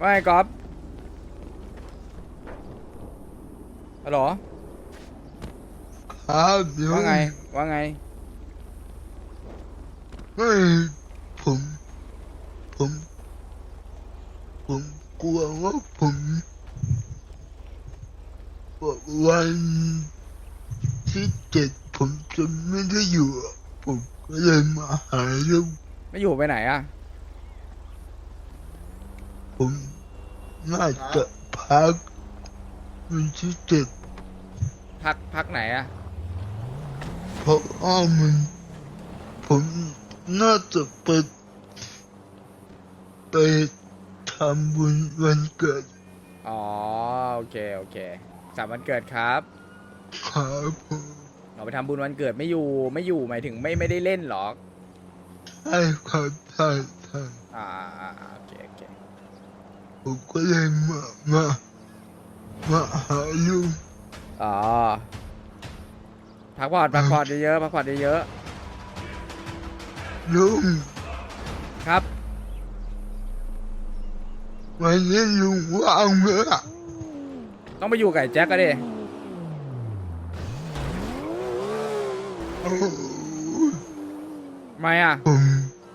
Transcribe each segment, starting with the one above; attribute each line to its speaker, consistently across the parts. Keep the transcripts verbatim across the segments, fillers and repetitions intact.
Speaker 1: ว่าไงก๊อฟฮัลโหล
Speaker 2: ครับลุ
Speaker 1: ว่าไง
Speaker 2: ง
Speaker 1: ว่าไง
Speaker 2: ไม่ผมผมผมกลัวว่าผมวันที่เจ็ดผมจะไม่ได้อยู่อะผมก็เลยมาหาลุง
Speaker 1: ไม่อยู่ไปไหนอะ
Speaker 2: ผมน่าจะพักวันที่เจ็ด
Speaker 1: พักพักไหนอะ
Speaker 2: เพราะว่ามันผมน่าจะไปไปทำบุญวันเกิด
Speaker 1: อ๋อโอเคโอเคสามวันเกิดครับ
Speaker 2: ครับผม
Speaker 1: เราไปทำบุญวันเกิดไม่อยู่ไม่อยู่หมายถึงไม่ไม่ได้เล่นหรอก
Speaker 2: ใช่ครับใช่ใช่
Speaker 1: อ่าอ่าอ่าโอเคโอเค
Speaker 2: ผมก็เลยมามามาหาลุง
Speaker 1: อ๋อพักผ่อนพักผ่อนเยอะๆพักผ่อนเยอะ
Speaker 2: ลุง
Speaker 1: ๆครับ
Speaker 2: วันนี้ลุงว่างไหมอ่ะ
Speaker 1: ต้องไปอยู่กับไอ้แจ็คก็ดิ
Speaker 2: โอ้
Speaker 1: ทำไมอะ
Speaker 2: ผม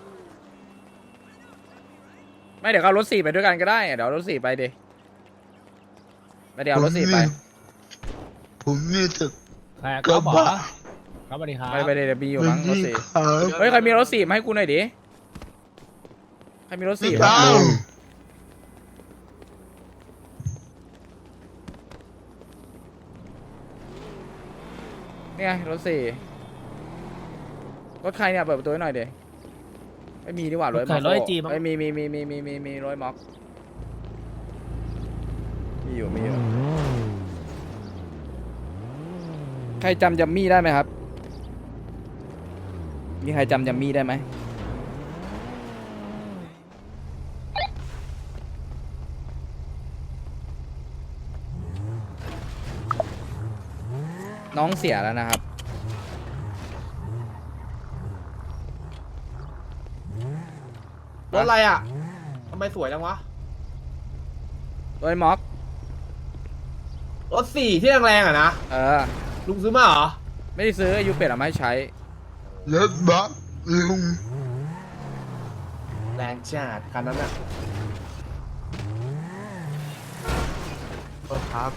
Speaker 1: ไม่เดี๋ยวเอารถสี่ไปด้วยกันก็ได้เดี๋ยวเอารถสี่ไปดิไปเดี๋ยว
Speaker 2: ผม
Speaker 1: เอารถสี่ไป
Speaker 2: นี่ผมนี่จะ
Speaker 3: ใคร
Speaker 2: ก
Speaker 3: ก็
Speaker 2: ระ
Speaker 3: บอก
Speaker 2: บะ
Speaker 3: ครับสวัสดีครับ
Speaker 1: ไปไปเดี๋ยวมีอยู่
Speaker 2: วัน
Speaker 1: มั้งรถ
Speaker 2: นี้
Speaker 1: สี่
Speaker 2: ครับ
Speaker 1: เฮ้ยใครมีรถสี่มาให้กูหน่อยดิใครมีรถ
Speaker 2: พี่
Speaker 1: สี่บ้าง
Speaker 2: ดาว
Speaker 1: เนี่ยรถสี่รถใครเนี่ยเปิดประตูให้หน่อยเดี๋ยวไม่มีดีกว่ารถ
Speaker 3: รถใคร
Speaker 1: ม็อก
Speaker 3: รถไอจีมั้ง
Speaker 1: ไม่มีมีมีมีมีมีมีรถม็อกมีอยู่มีอยู่ใครจำจัมมี่ได้ไหมครับมีใครจำจัมมี่ได้ไหมน้องเสียแล้วนะครับ
Speaker 4: รถอะไรอ่ะ ทำไมสวยจังวะ
Speaker 1: รถม็อก
Speaker 4: รถสี่ที่แรงๆอ่ะนะ
Speaker 1: เออ
Speaker 4: ลุงซื้อมาเหรอ
Speaker 1: ไม่ได้ซื้ออายุเป็ดเอามาให้ใช้
Speaker 2: รถบัสลุง
Speaker 4: แรงจัดคันนั้นอ่ะรถครับ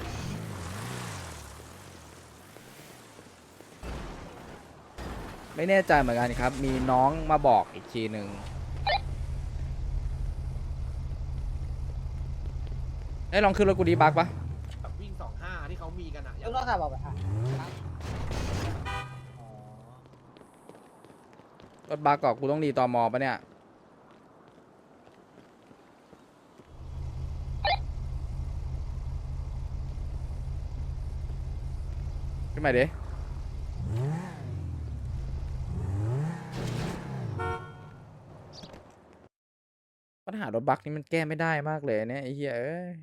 Speaker 1: ไม่แน่ใจเหมือนกันครับ มีน้องมาบอกอีกทีหนึ่งได้ลองขึ้นรถกูดีบักปะ
Speaker 4: แบบวิ่งสองห้าที่เขามีกันอ่ะ
Speaker 5: ยกโทรศัพท์ออกไปอ่ะ
Speaker 1: รถบักก่อนกูต้องรีตอมอปะเนี่ยขึ้นมาดิปัญหารถบักนี่มันแก้ไม่ได้มากเลยเนี่ยไอ้เหี้ยเอ้ย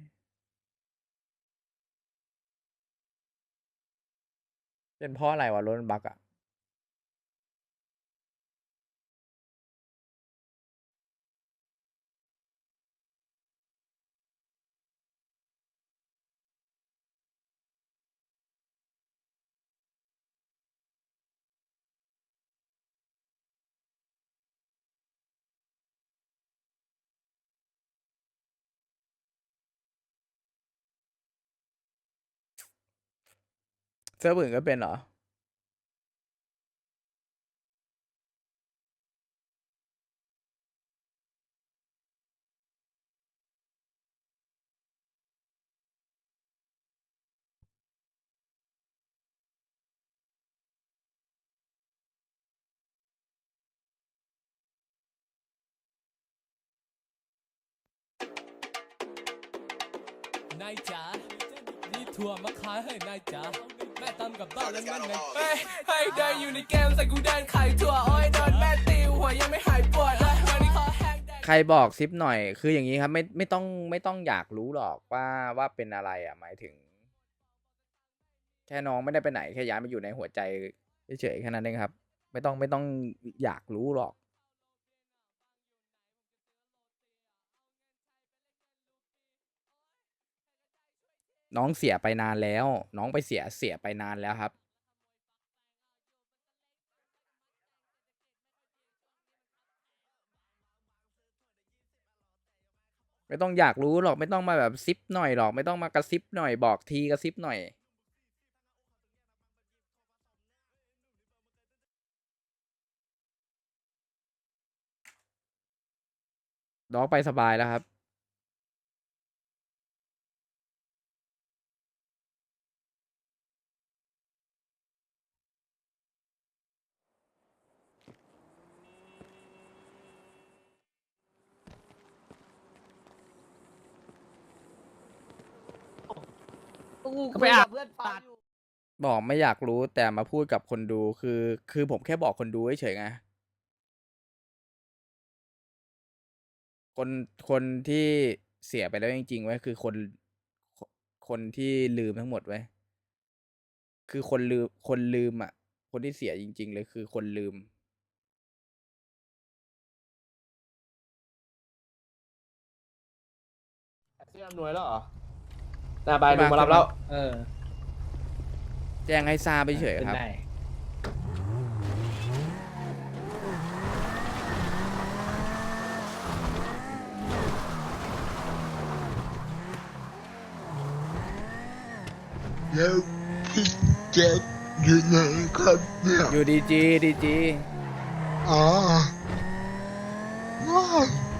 Speaker 1: เป็นเพราะอะไรวะรถบักอะเซิร์ฟอื่นก็เป็นเหรอ
Speaker 6: นายจ๋านี่ถั่วมาขายให้นายจ๋าแม่ตำกับบ้านนั้นมันไงเฮ้ยให้เดินอยู่ในเกมใส่กูเดินขายถั่วโอ้ยโดนแม่ตีหัวยังไม่หายปวดเลยวันนี้ขอแห้งแดง
Speaker 1: ใครบอกซิปหน่อยคืออย่างนี้ครับไม่ไม่ต้องไม่ต้องอยากรู้หรอกว่าว่าเป็นอะไรอ่ะหมายถึงแค่น้องไม่ได้ไปไหนแค่ย้ายมาอยู่ในหัวใจเฉยๆแค่นั้นเองครับไม่ต้องไม่ต้องอยากรู้หรอกน้องเสียไปนานแล้ว น้องไปเสียเสียไปนานแล้วครับ ไม่ต้องอยากรู้หรอกไม่ต้องมาแบบซิปหน่อยหรอกไม่ต้องมากระซิบหน่อยบอกทีกระซิบหน่อยน้องไปสบายแล้วครับ
Speaker 4: ก็ไปอาบ
Speaker 1: บอกไม่อยากรู้แต่มาพูดกับคนดูคือ คือผมแค่บอกคนดูเฉยๆไงคนคนที่เสียไปแล้วจริงๆไว้ยคือคนคนที่ลืมทั้งหมดไว้ยคือคนลืมคนลืมอ่ะ คนที่เสียจริง ๆ เลยคือคนลืม
Speaker 4: ที่อำนวยแล้วเหรอน่าไปลุงมารับแล้ว
Speaker 3: เออ
Speaker 1: แจ้งให้ทราบไปเฉย
Speaker 3: ขึ้น
Speaker 1: ครับ
Speaker 3: ได้
Speaker 2: แล้วพี่แจ็คอยู่ไหนครับเนี่ย
Speaker 1: อยู่ดีจีดีจี
Speaker 2: อ๋อว้าว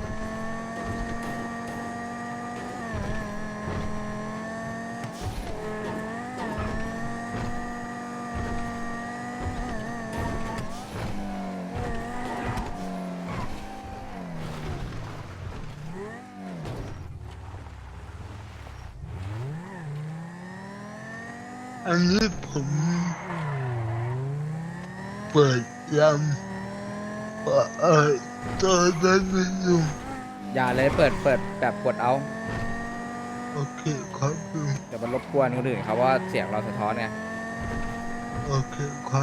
Speaker 2: อันนี้ผมเปิดลำเปิดตัวนั้นไม่อยู่
Speaker 1: อย่าเลยเปิดเปิดแบบกดเอา
Speaker 2: โอเคครับลุง
Speaker 1: เดี๋ยวมันรบกวนคนอื่นเขาว่าเสียงเราสะท้อนไง
Speaker 2: โอเคครับ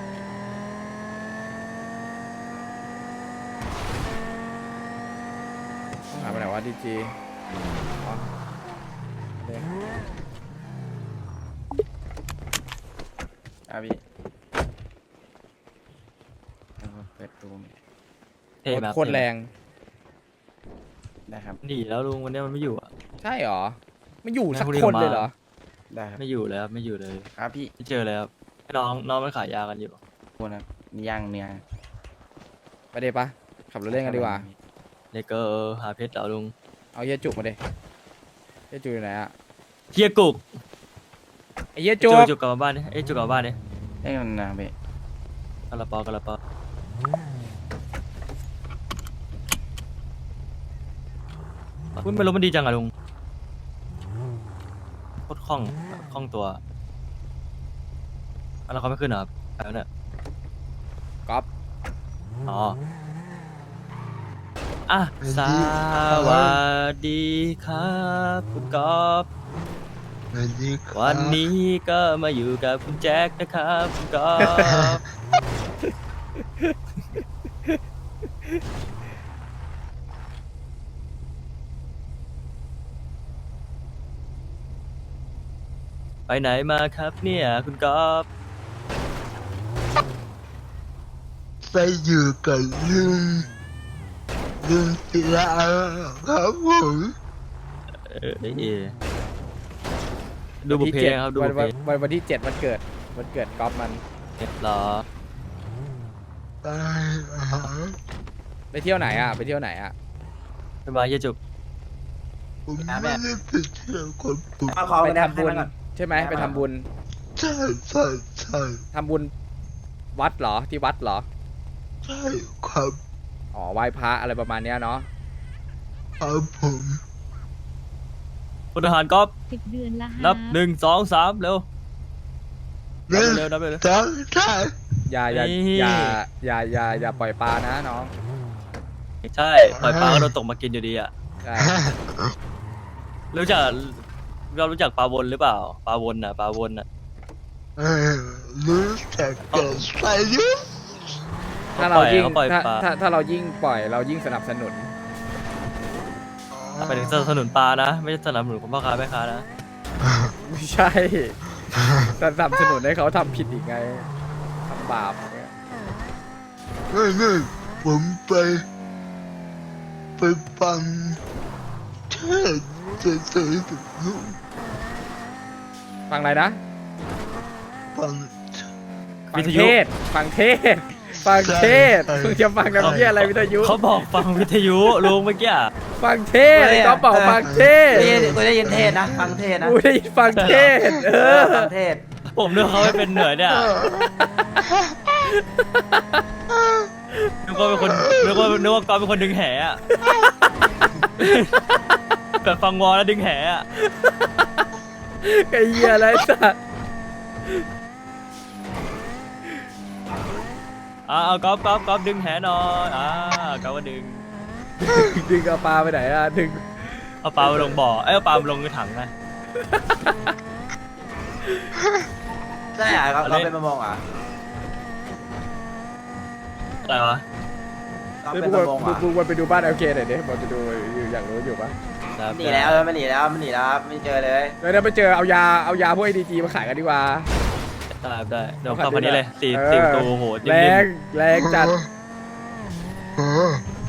Speaker 1: หายไปไหนวะดีจีอ๋อเด้อาพี่เปิดตูม
Speaker 5: เท่ไหม
Speaker 1: โคตรแรง
Speaker 5: ได้ครับหนีแล้วลุงวันนี้มันไม่อยู่อ่ะ
Speaker 1: ใช่หรอ ไม่อยู่สัก
Speaker 5: พรุ่งนี้
Speaker 1: คน
Speaker 5: ผมมา
Speaker 1: เลยเหรอ
Speaker 5: ได้ครับไม่อยู่เลยครับไม่อยู่เลย
Speaker 7: ครับพี่
Speaker 5: ไม่เจอเลยครับให้น้องน้องมันขายยากันอยู่
Speaker 7: คนครับนี่ย่างเนื้อ
Speaker 1: ไปเดปะขับรถเล่นกันดีกว่า
Speaker 5: เลเกอร์หาเพชรแล้วลุง
Speaker 1: เอาเฮียจุกมาเดเฮียจุกอยู่ไหนอะ
Speaker 5: เฮียกุก
Speaker 1: ไอเฮีย
Speaker 5: จุ
Speaker 1: จุ
Speaker 5: ก
Speaker 1: ก
Speaker 5: จุกกลับมาบ้านดิเอ้ยจุกกลับมาบ้านดิ
Speaker 7: ได้กันนะพี่
Speaker 5: กระป๋อกระป๋อคุณไม่รู้มันดีจังอะลุงโคตรคล่องคล่องตัวอันนั้นเขาไม่ขึ้นเหรอครับแล้วเนี่ย
Speaker 1: ก๊อฟ
Speaker 5: อ๋ออ่ะสวัสดีครับคุณกอล์ฟ
Speaker 2: สวัสดีครับ
Speaker 5: วันนี้ก็มาอยู่กับคุณแจ็คนะครับคุณกอล์ฟ ไปไหนมาครับเนี่ยคุณกอล์ฟ
Speaker 2: ไปอยู่กับลุงลุงศิลาครับผม
Speaker 5: เออเอดูบุพเพครับดู
Speaker 1: วั
Speaker 5: บุ
Speaker 1: น
Speaker 5: พเพ
Speaker 1: วันวันวันที่เจ็ดวันเกิดวันเกิดก๊อฟมัน
Speaker 5: เหรอ
Speaker 2: ไปหา
Speaker 1: ไปเที่ยวไหนอะไปเที่ยวไหนอะ
Speaker 5: ไปมาเยี่ยจุก
Speaker 2: ผมไม่ได้ไปเที่ยวกับผม
Speaker 4: เอาขอ
Speaker 1: ไป
Speaker 4: ไป
Speaker 1: ทำบุญใช่ไหมไปทำบุญ
Speaker 2: ใช่ใช่ใช่
Speaker 1: ทำบุญวัดเหรอที่วัดเหรอ
Speaker 2: ใช่ครับ
Speaker 1: อ๋อไหว้พระอะไรประมาณเนี้ยเนาะ
Speaker 2: ครับผม
Speaker 5: พลทหารกอล์ฟ
Speaker 8: สิบเดือนละ
Speaker 5: นับหนึ่งสองสามเร็วนับ
Speaker 2: เล่น
Speaker 5: เร็วนับเร็ว
Speaker 2: จังใช่
Speaker 1: อย่าอย่า
Speaker 5: นี่
Speaker 1: อย่าอย่าอย่าอย่าปล่อยปลานะน้อง
Speaker 5: ใช่ปล่อยปลาก็โดนตกมากินอยู่ดีอ่ะ
Speaker 1: ใช่
Speaker 5: รู้จักเรารู้จักปลาวนหรือเปล่าปลาวนอ่ะปลาวนอ่ะ
Speaker 2: เออรู้จักแต่ใส่ยุทธ
Speaker 1: ถ้าเรายิ่ง
Speaker 5: เขาปล่อย
Speaker 1: ถ้า
Speaker 5: ปลา
Speaker 1: ถ้าถ้าเรายิ่งปล่อยเรายิ่งสนับสนุน
Speaker 5: ไปถึงสนับสนุนปลานะ ไม่ใช่สนับสนุนของพ่อค้าแม่ค้านะ
Speaker 1: ไม่ใช่ แต่สนับสนุนให้เขาทำผิดอีกไงทำบาปอย่างเงี้ย
Speaker 2: ไม่ไม่ผมไป ไปฟังเทศเฉยๆกับลุง
Speaker 1: ฟังอะไรนะ
Speaker 2: ฟัง
Speaker 1: ฟังเทศฟังเทศฟังเทศ
Speaker 2: ใช่
Speaker 1: มึงจะฟังน้ำเยี่ยอะไรวิทยุ
Speaker 5: เขาบอกฟังวิทยุลุงเมื่อกี้อะ
Speaker 1: ฟังเทศก็บอกฟังเทศ
Speaker 3: กูได้ยินกูได้ยินเทศนะ ฟังเทศนะ
Speaker 1: กูได้ยินฟังเทศเอ
Speaker 3: เอ
Speaker 1: อ
Speaker 3: อฟังเทศ
Speaker 5: ผมนึกว่าเขาไม่เป็นเหนื่อยเนี่ยนึกว่าเป็นคนนึกว่านึกว่าก๊อฟเป็นคนดึงแหอะแบบฟังวอลแล้วดึงแหอะ
Speaker 1: ไอ้เหี้ยอะไรสัส
Speaker 5: อ่าเอาก๊อฟก๊อฟก๊อฟดึงแหหน่อยอ่าก๊อฟก็ดึง
Speaker 1: ดึงเอาปลาไปไหนอ่ะดึง
Speaker 5: เอาปลามาลงบ่อเอ้ยเอาปลามาลงในถังนะ
Speaker 3: ใช่เหรอเขาเขาเป็นประมงเหรอ
Speaker 5: อะไรวะ
Speaker 3: เขา
Speaker 1: เฮ้ย
Speaker 3: เป็
Speaker 1: มึ
Speaker 3: น
Speaker 1: ง
Speaker 3: ประมงเหร
Speaker 1: มึ
Speaker 3: อง
Speaker 1: มึงวนไปดูบ้านเอลเคหน่อยดิมันจะดูอยู่อยากรู้อยู่ปะ
Speaker 5: ครับ
Speaker 3: หนีแล้วเออมันหนีแล้วมันหนีแล้วครับไม่เจอเลย
Speaker 1: เดี๋ยวไปเจอเอายาเอายาพวกไอดีจีมาขายกันดีกว่า
Speaker 5: ได้ได้เดี๋ยวเข้าพันนี้เลยสี่
Speaker 1: เออ
Speaker 5: สี่ประตูโห
Speaker 1: แร
Speaker 5: นิ่
Speaker 1: ง
Speaker 5: ม
Speaker 1: แรงจัด
Speaker 2: เออ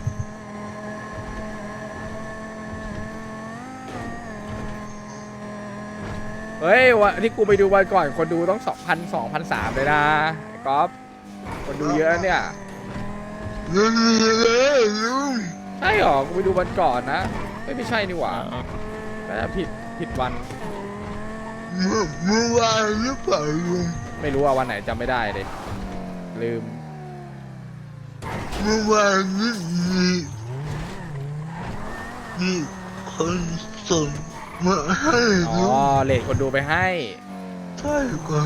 Speaker 1: เฮ้ยวันที่กูไปดูวันก่อนคนดูต้องสองพันสองพันสามเลยนะไอ้ก๊อฟคนดูเยอะเนี่ย
Speaker 2: ยังมีเลยลุง
Speaker 1: ใช่หรอกูไปดูวันก่อนนะไม่ไม่ใช่นี่หว่า
Speaker 5: ๆอ่า
Speaker 1: แต่ผิดผิดวัน
Speaker 2: เมื่อเมื่อวานหรือเปล่าลุง
Speaker 1: ไม่รู้ว่าวันไหนจำไม่ได้เลยลืม
Speaker 2: เมื่อวานนี้มีมีคนส่งมาให้
Speaker 1: อ๋อ
Speaker 2: ลุง
Speaker 1: เลทคนดูไปให้
Speaker 2: ใช่ครับ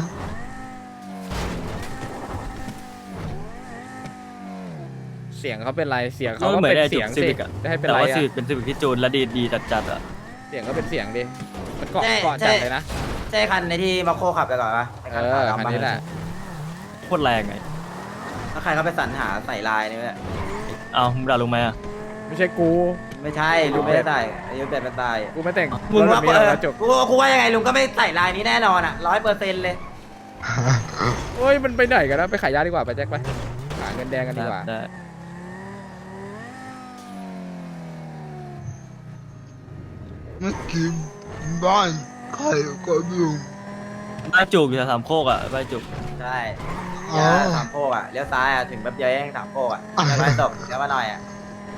Speaker 1: เสียงเขาเป็นไรเสียง
Speaker 5: ก็
Speaker 1: เขาก็
Speaker 5: เหมือน
Speaker 1: เป็น
Speaker 5: ไอ้
Speaker 1: เสี
Speaker 5: จุ
Speaker 1: ย
Speaker 5: ก
Speaker 1: ง
Speaker 5: ซี
Speaker 1: สิ
Speaker 5: วิกอะ
Speaker 1: จะให้เป็น
Speaker 5: แต่
Speaker 1: ไร
Speaker 5: ว่า
Speaker 1: อะ
Speaker 5: ซีวิกเป็นซีวิกที่จูนและดีดีจัดจัดๆอะ
Speaker 1: เสียงก็เป็นเสียงดิมันเกาะเกาะจัดเลยนะ
Speaker 3: ใช่คันในที่มาโคขับไปก่อนปะไ
Speaker 1: เออคันนี้แหละ
Speaker 5: โคตรแรงไง
Speaker 3: แล้วใครเขาไปสรรหาใส่ลายนี่เนี่ย
Speaker 5: เอามึงด่าลุงไหมอะ
Speaker 1: ไม่ใช่กู
Speaker 3: ไม่ใช่ลุงไม่ได้ใส่อายุแบบเป็นใส่
Speaker 1: กูไม่แต่ง
Speaker 3: มึงว่า
Speaker 1: แบบนี้
Speaker 3: เอ
Speaker 1: หร
Speaker 3: อ
Speaker 1: อกนะจบ
Speaker 3: กูกูว่ายังไงลุงก็ไม่ใส่ลายนี้แน่นอนอ่ะร้อยเปอร์เซ็นต์เลย
Speaker 1: โอ้ยมันไปไหนกันนะไปขายยาดีกว่าไปแจ็คไปหาเงินแดงกันดีกว่า
Speaker 5: ได้
Speaker 2: เมื่อกี้บ้านใครก็ลุง
Speaker 5: บ้านจุกอยู่แถวสามโคกอะบ้านจุก
Speaker 3: ใช่
Speaker 2: อ๋อ
Speaker 3: เลี้ยวสามโคกอ่ะเลี้ยวซ้ายอ่ะถึงแป๊บเดียวเองสามโคกอ่ะเลี้ยวไปตกเลี้ยวมาหน่อยอ่ะ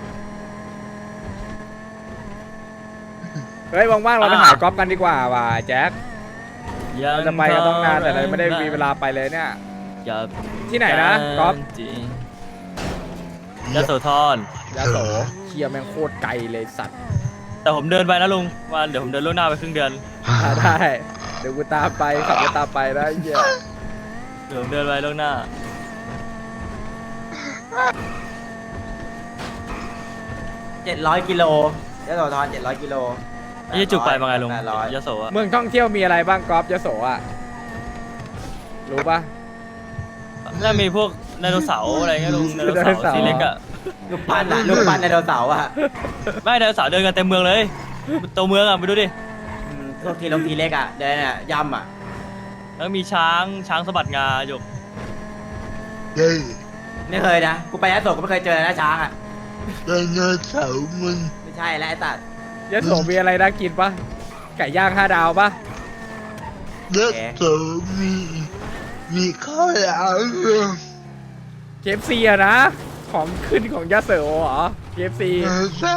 Speaker 1: เฮ้ยว่างๆเราไปหากอล์ฟกันดีกว่าว่ะแจ็คเราจะไปกันต้องนานแต่เราไม่ได้มีเวลาไปเลยเนี่ย
Speaker 5: อย่า
Speaker 1: ที่ไหนนะก๊อฟ
Speaker 5: จริงยะโสธร
Speaker 1: ยาโสเคียแม่งโคตรไกลเลยสัตว์
Speaker 5: แต่ผมเดินไปนะลุงวันเดี๋ยวผมเดินล่วงหน้าไปครึ่งเดือน
Speaker 1: อ่าได้เดี๋ยวกูตามไปขับรถตามไปนะไอ้เหี้ย
Speaker 5: เดี๋ยวผมเดินไปล่วงหน้า
Speaker 3: เจ็ดร้อยกิโลเลี้ยวโสธรเจ็ดร้อยกิโล
Speaker 5: ไอ้จุกไปมาไงลุง
Speaker 3: แปดร้อย
Speaker 5: ยะโสอะ
Speaker 1: เมืองท่องเที่ยวมีอะไรบ้างกอล์ฟยาโสอ่ะรู้ปะ
Speaker 5: น่ามีพวกไดโนเสาร์อะไรเงี้ยลุงไดโน
Speaker 1: ไดโน
Speaker 5: เสา
Speaker 1: เสาร์
Speaker 5: ร์ที่เล็กอะ
Speaker 3: ลูกปั้นอ่ะลูกปั้นไดโนเสาร์อ่ะ
Speaker 5: ไม่ไดโนเสาร์เดินกันเต็มเมืองเลยตัวเมืองอะไปดูดิ
Speaker 3: อืมพวกทีลงทีเล็กอ่ะเดินอ่ะยำอ่ะ
Speaker 5: แล้วมีช้างช้างสะบัดงาหยก
Speaker 2: เย้
Speaker 3: ไม่เคยนะกูไปยะโสก็ไม่เคยเจอนะช้างอ่ะ
Speaker 2: ไดโนเสาร์มัน
Speaker 3: ไม่ใช่แล้วไอ้สัตว์
Speaker 1: ยาโสมีอะไรน่ากินปะไก่ย่างห้าดาวปะ
Speaker 2: เด็กเสาร์มีมีข้าวหลามเลย
Speaker 1: เคฟซีอะนะ ของขึ้นของยาโสเหรอเคฟซี
Speaker 2: เออใช่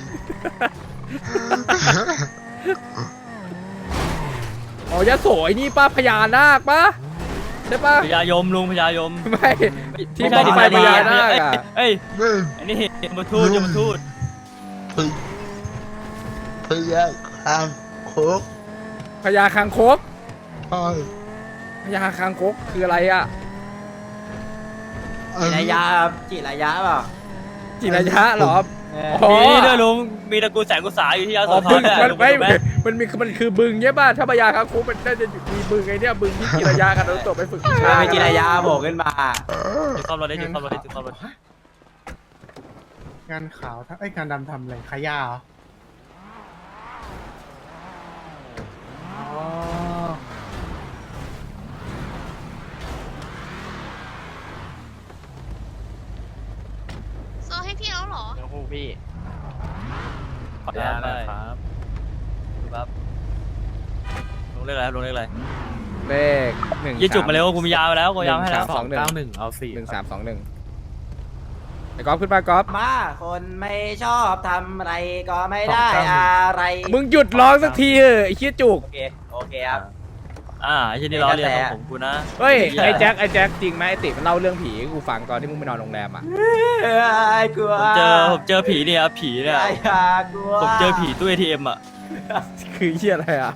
Speaker 1: อ๋อยาโสไอ้นี่ป้าพญานาคปะใช่ปะ
Speaker 5: พญายมลุงพญายม
Speaker 1: ไม่ที่
Speaker 5: ไม่
Speaker 1: บ้
Speaker 5: ใช่
Speaker 1: องไฟ
Speaker 5: ที่
Speaker 1: พญา
Speaker 5: ไม่
Speaker 1: นาค
Speaker 5: ใช่
Speaker 1: อะ
Speaker 5: เอ้ย
Speaker 2: ไม่
Speaker 5: อันนี้ยมทูตยมทูต
Speaker 2: พยพยาคางโคก
Speaker 1: พญาคางคก
Speaker 2: ใช่
Speaker 1: พญาคางคกคืออะไรอะ
Speaker 2: อัน
Speaker 3: จิ
Speaker 2: นี้
Speaker 3: รายาจิรายาเปล่า
Speaker 1: จิรยะเหรอ
Speaker 3: เออ
Speaker 1: อ๋อ
Speaker 5: มีด้วยลุงมีตระกูลแสงกุศาอยู่ที่ยะโส
Speaker 1: อ๋อ
Speaker 5: ธ
Speaker 1: บึ
Speaker 5: รง ด้วย
Speaker 1: มัน
Speaker 5: ลุงไป
Speaker 1: ไม่
Speaker 5: ดูไหม
Speaker 1: มันมีมันคือบึงใช่ป่ะถ้าพญาคางคกมันน่าจะมีบึงไอ้เนี่ยบึงที่จิรยะกันเราตกไปฝึกวิชา
Speaker 3: ไม่จิรายาโผล่ขึ้นมา
Speaker 5: จุดซ่อมรถได้จุดซ่อมรถได้จุดซ่อมรถ
Speaker 4: งานขาวถ้าไอ้ยงานดำทำอะไรขายยาเหรออ๋อ
Speaker 7: โอ้พี่
Speaker 5: ขออนุญาตนะครับครับลงเลขอะไรครับลงเลขอะไร
Speaker 1: เลขหนึ่ง
Speaker 5: ยี่จุกมาเร็วกูมียาไปแล้วกูยาให้แล้ว
Speaker 1: สองหนึ่ง
Speaker 4: เก้าหนึ่งเอาสี่
Speaker 1: หนึ่งสามสองหนึ่งไอ้ก๊อฟขึ้นมาก๊อฟ
Speaker 3: มาคนไม่ชอบทำอะไรก็ไม่ได้อะไร
Speaker 1: มึงหยุดร้องสักทีเถอะไอ้เหี้ยจุก
Speaker 3: โอเคโอเคครับ
Speaker 5: อ่าไอ้เช่นนี้ล้อเลียนของผมกูนะ
Speaker 1: เฮ้ยไอ้แจ็คไอ้แจ็คจริงไหมไอ้ติมันเล่าเรื่องผีให้กูฟังตอนที่มึงไปนอนโรงแรมอ่ะ
Speaker 3: เออไอ้กลัว
Speaker 5: ผมเจอผมเจอผีเนี่ยครับผีเนี่ย
Speaker 3: ไอ้ยากลัว
Speaker 5: ผมเจอผีตู้ เอ ที เอ็ม อ่ะ
Speaker 1: คือเหี้ยอะไรอ่ะ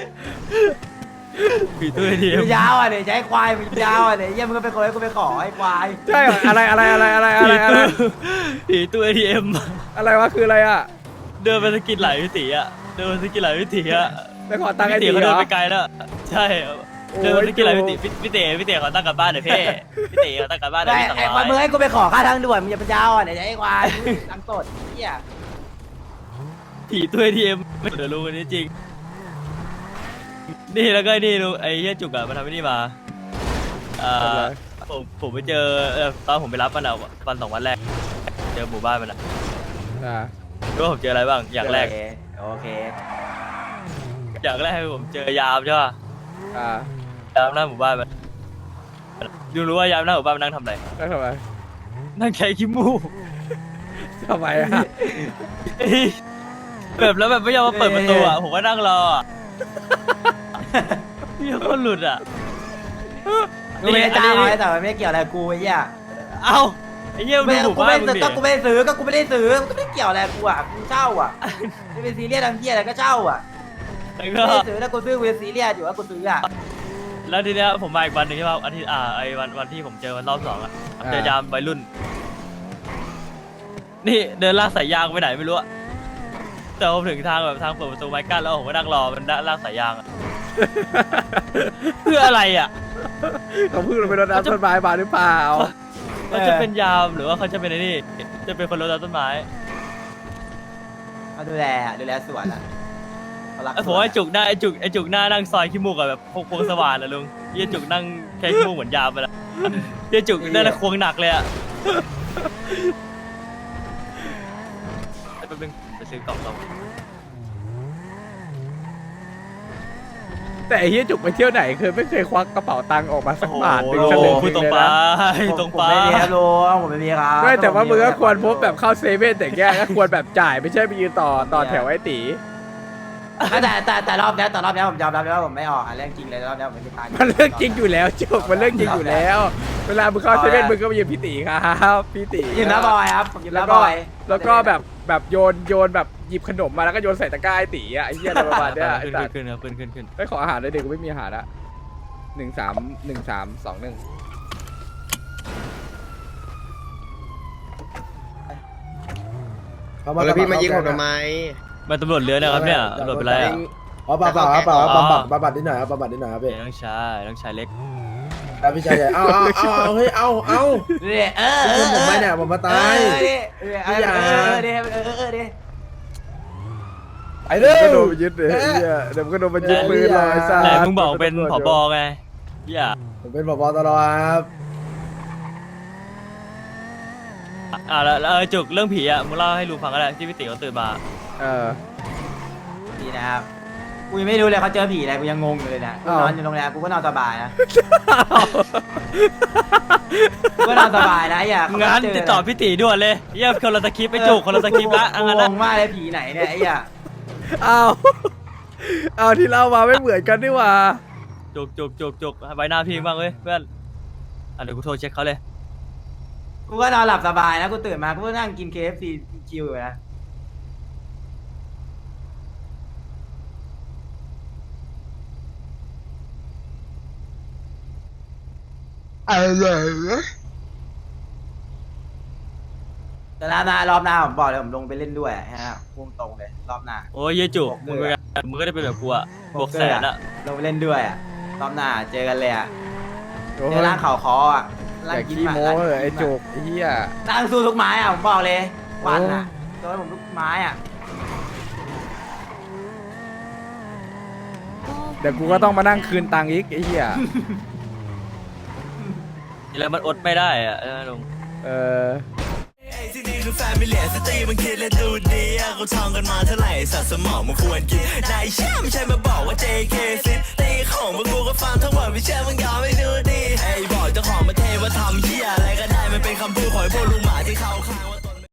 Speaker 5: ผีตู้ เอ ที เอ็ม
Speaker 3: มึงยาวอ่ะเนี่ยใช้ควายมึงยาวอ่ะเนี่ยเยี่ยมึงก็เป็นคนให้กูไปขอไอ้ควาย
Speaker 1: ใช่เหรออะไรอะไรอะไรอะไรอะไรอะไร
Speaker 5: ผีตู้ เอ ที เอ็ม
Speaker 1: อะไรวะคืออะไรอ่ะ
Speaker 5: เดินไปสกิดหลายวิถีอ่ะเดินไปสกิดหลายวิถีอ่ะ
Speaker 1: ไปขอตังค์ไอ้
Speaker 5: พี่
Speaker 1: ตี
Speaker 5: เต๋เขา
Speaker 1: เหร
Speaker 5: เดิน
Speaker 1: อ
Speaker 5: ไปไกลแล้วใช่เดินไปสกิดหลายวิถีพี่พี่เต๋พี่เต๋เขาตั้งกลับบ้านเดี๋ยวพี่พี่เต๋เขาตั้งกลับบ้านเดี๋ยว
Speaker 3: ไอ้
Speaker 5: พี่สอง
Speaker 3: ไอ้
Speaker 5: ร้
Speaker 3: ควายมึง
Speaker 5: อย
Speaker 3: ให้กูไปขอค่าทางด่วนมึงอย่าเป็นยาวอ่ะเนี่ยใช้ควายตังค์สดเหี้ย
Speaker 5: ผีตู้ เอ ที เอ็ม เดี๋ยวรู้กันนี้จริงนี่แล้วก็นี่ลุงไอ้เหี้ยจุกอะมันทำไอ้นี่มาเอ่อผมผมไปเจอเอ่อตอนผมไปรับมันอะวันสองวันแรกเจอหมู่บ้านมันอะ
Speaker 1: อ่า
Speaker 5: รู้ว่าผมเจออะไรบ้างอย่างแรก
Speaker 3: โอเคโอเค
Speaker 5: อย่างแรกผมเจอยามใช่ป่ะ
Speaker 1: อ่าย
Speaker 5: ามหน้าหมู่บ้านมันยูรู้ว่ายามหน้าหมู่บ้านมันนั่งทำอะไร
Speaker 1: แล้วทำไม
Speaker 5: นั่งแค่ขี้มูก
Speaker 1: ทำไมอ่ะ
Speaker 5: แบบแล้วแบบไม่ยอมมาเปิดประตูอ่ะผมก็นั่งรออ่ะพี่คนหลุดอ่ะ
Speaker 3: กูไม่ได้จ้างเขาแต่มันไม่ได้เกี่ยวอะไรกับกูไอ้เหี้ย
Speaker 5: เอ้าไอ้เหี้ยมึง
Speaker 3: ไม่
Speaker 5: ดูหมู่
Speaker 3: กู
Speaker 5: บ้า
Speaker 3: ไม่
Speaker 5: นมึงดิ
Speaker 3: ก็กูไม่ได้ซื้อก็กูไม่ได้ซื้อมันก็ไม่เกี่ยวอะไรกับกูอ่ะกูเช่าอ่ะไม่เป็นซีเรียสทำเหี้ยอะไรก็เช่าอ่ะ
Speaker 5: แล้ว
Speaker 3: ไม่
Speaker 5: ก็
Speaker 3: ได้ซื้อแล้วกูซื้อกูเป็นซีเรียสอยู่ว่ากูซื้ออ่ะ
Speaker 5: แล้วทีเนี้ยผมมาอีกวันหนึ่งใช่ป่ะอาทิตย์อ่าไอ้วันวันที่ผมเจอวันรอบสองอ่ะเจอยามวัยรุ่น นี่เดินลากสายยางไปไหนไม่รู้อะแต่ผมถึงทางแบบทางเปิดประตูไม้กั้นแล้วผมก็นั่งรอมันลากสายยางอะ เพื่ออะไรอ่ะ
Speaker 1: เขาเพิ่งลงไปรดน้ำต้นไม้มาหรือเปล่า
Speaker 5: เขาจะเป็นยามหรือว่าเขาจะเป็นไอ้นี่ จะเป็นคนรดน้ำต้นไม้
Speaker 3: เขาดูแลอะดูแลสวนอ่ะเขารัก
Speaker 5: ไอ้ผมว่าไอ้จุกหน้าไอ้จุกไอ้จุกหน้านั่งซอยขี้มูกอะแบบพกพวงสว่านอะลุงเยี่ยจุกนั่งแค่ขี้มูกเหมือนยามไปละเยี่ยจุกนั่นแหละควงหนักเลยอะไอ้แป๊บนึงไปซื้อกล่องเรา
Speaker 1: แต่ไอ้เหี้ยจุกไปเที่ยวไหนเคยไม่เคยควักกระเป๋าตังค์ออกมาสักบาทหนึ่ง
Speaker 5: โอ้
Speaker 1: ส
Speaker 5: โห
Speaker 1: ลึง
Speaker 5: พูดตรง
Speaker 1: เลย
Speaker 5: ไป
Speaker 1: นะ
Speaker 5: ตรง
Speaker 3: ผม
Speaker 5: ไป
Speaker 3: ไม่มีครับลุงผมไม่มีครับ
Speaker 1: ไม่แต่ว่ามึงก็ควรพบแบบเข้าเซเว่นแต่แยกก็ควรแบบจ่ายไม่ใช่ไปยืนต่อต่อแถวไอ้ตี
Speaker 3: ไม่แต่แต่แต่รอบเนี้ยแต่รอบเนี้ยผมยอมรับเลยว่าผมไม่ออกอ่ะเรื่องจริงเลยรอบเนี้ยผมไม่มีตังค์
Speaker 1: มันเรื่องจริงอยู่แล้วจุกมันเรื่องจริงอยู่แล้ว เวลามึงเข้าเซเว่นมึงก็ไปยืนพี่ตีครับพี่ตี
Speaker 3: ยืนน้าบอยครับผมยืน
Speaker 1: แล้ว
Speaker 3: น้าบ
Speaker 1: ก็
Speaker 3: อย
Speaker 1: แล้วก็แบบแบบโยนโยนแบบหยิบขนมมาแล้วก็โยนใส่ตะกร้าไอ้ตีอ่ะไอ้เหี้ยอะไรประมาณเนี้ยไอ้
Speaker 5: ขึ้น
Speaker 1: สัตว์
Speaker 5: ขึ้นครับขึ้นขึ้นขึ้น
Speaker 1: ไปขออาหารเลยเด็กกูไม่มีอาหารละหนึ่งสามหนึ่งสามสองหนึ่ง
Speaker 8: เอาแล้วพี่มายิงผมทำไม
Speaker 5: มันตำรวจเรือนะครับเนี่ยตำรวจเป็นไรอะ
Speaker 8: อ๋อเปล่าเปล่าครับเปล่าครับบำบัดบำบัดนิดหน่อยครับบำบัดนิดหน่อยครับพี่
Speaker 5: เดี๋ยวต้องชายต้องชายเล็ก
Speaker 8: ครับพี่ชายใหญ่เอาเอาเอาเอาเฮ้ยเอาเอา
Speaker 3: นี่เออเอ
Speaker 8: คุณ
Speaker 3: อ
Speaker 8: ผมไม่เนี่ยผมมาตาย
Speaker 3: เออดิเออเออเออดิเออเออดิ
Speaker 8: ไอ้เด้อ
Speaker 1: ก็โดนไปยึดเลยไอ้เหี้ยเดี๋ยวมันก็โดนไปยึดปืนเลยไอ้สัตว์
Speaker 5: ไหนมึงบอกเป็นผบไงเหี้ย
Speaker 8: ผมเป็นผบตรครับ
Speaker 5: อ่าแล้วแล้วเออจุกเรื่องผีอ่ะมึงเล่าให้ลุงฟังก็ได้ที่พี่ติ๋วเขาตื่นมา
Speaker 1: เออ
Speaker 3: ดีนะครับกูยังไม่รู้เลยเขาเจอผีอะไรกูยังงงอยู่เลยนะกู
Speaker 1: อ้าว
Speaker 3: นอนอยู่โรงแรมกูก็นอนสบายนะกูก็นอนสบายนะอย่าเขา
Speaker 5: งั้น
Speaker 3: เจ
Speaker 5: ติดต่อพี่ติ๋วด่วนเลยเยี่ยมคนละสคริปต์ไปจุกคนละสคริปต์ละ
Speaker 3: กู
Speaker 5: งั้น
Speaker 3: ง
Speaker 5: นะ
Speaker 3: งมากเลยผีไหนเนี่ยไอ้เหี้ย
Speaker 1: เอาเอาที่เล่ามาไม่เหมือนกันนี่หว่า
Speaker 5: จุกจุกจุกจุกใบหน้าพี่บ้างเว้ยเพื่อนอ่ะเดี๋ยวกูโทรเช็คเขาเลย
Speaker 3: กูก็นอนหลับสบายนะกูตื่นมากูก็นั่งกิน เค เอฟ ซี ชิวอยู่นะ
Speaker 2: อะไรนะ
Speaker 3: แต่รอบหน้ารอบหน้าผมบอกเลยผมลงไปเล่นด้วยฮะพุ่งตรงเลยรอบหน้า
Speaker 5: โอ้ยเยี่ยจุก
Speaker 3: บอก
Speaker 5: มึง
Speaker 3: เลย
Speaker 5: ก็มึงก็ได้เป็นแบบกูอ่ะบวกแสนอ่ะ
Speaker 3: ลงไปเล่นด้วยอ่ะรอบหน้าเจอกันเลยอ่ะ
Speaker 1: โอ้
Speaker 3: เจ
Speaker 1: ย
Speaker 3: อร้านข่าวคออ่ะ
Speaker 1: อ
Speaker 3: ร้าน
Speaker 1: ย่า
Speaker 3: กิน
Speaker 1: ขี้
Speaker 3: หมา
Speaker 1: โม้
Speaker 3: ร้าน
Speaker 1: เลยไอ้
Speaker 3: กินหมา
Speaker 1: จุกไอ้เหี้ย
Speaker 3: ร้านสู้ทุกไม้อ่ะผมบอกเลยวันอ่ะโดนผมทุกไม้อ่ะ
Speaker 1: เดี๋ยวกูก็ต้องมานั่งคืนตังค์อีกไอ้เหี้ย
Speaker 5: แล้วมันอดไม่ได้อ่ะเออลุง
Speaker 1: เออ
Speaker 6: ไอ้ที่นี่คือแฟมิเลียสตรีมันคิดและดูดีอะเขาท่องกันมาเท่าไหร่สัตว์สมองมันควรกินนายเชื่อไม่ใช่มาบอกว่า เจ เค ซิตีของพวกกูก็ฟังทั้งหมดไม่เชื่อมึงยอมไม่ดูดีไอ้บอกเจ้าของประเทศว่าทำเหี้ยอะไรก็ได้มันเป็นคำพูดของไอ้พวกลุงหมาที่เขา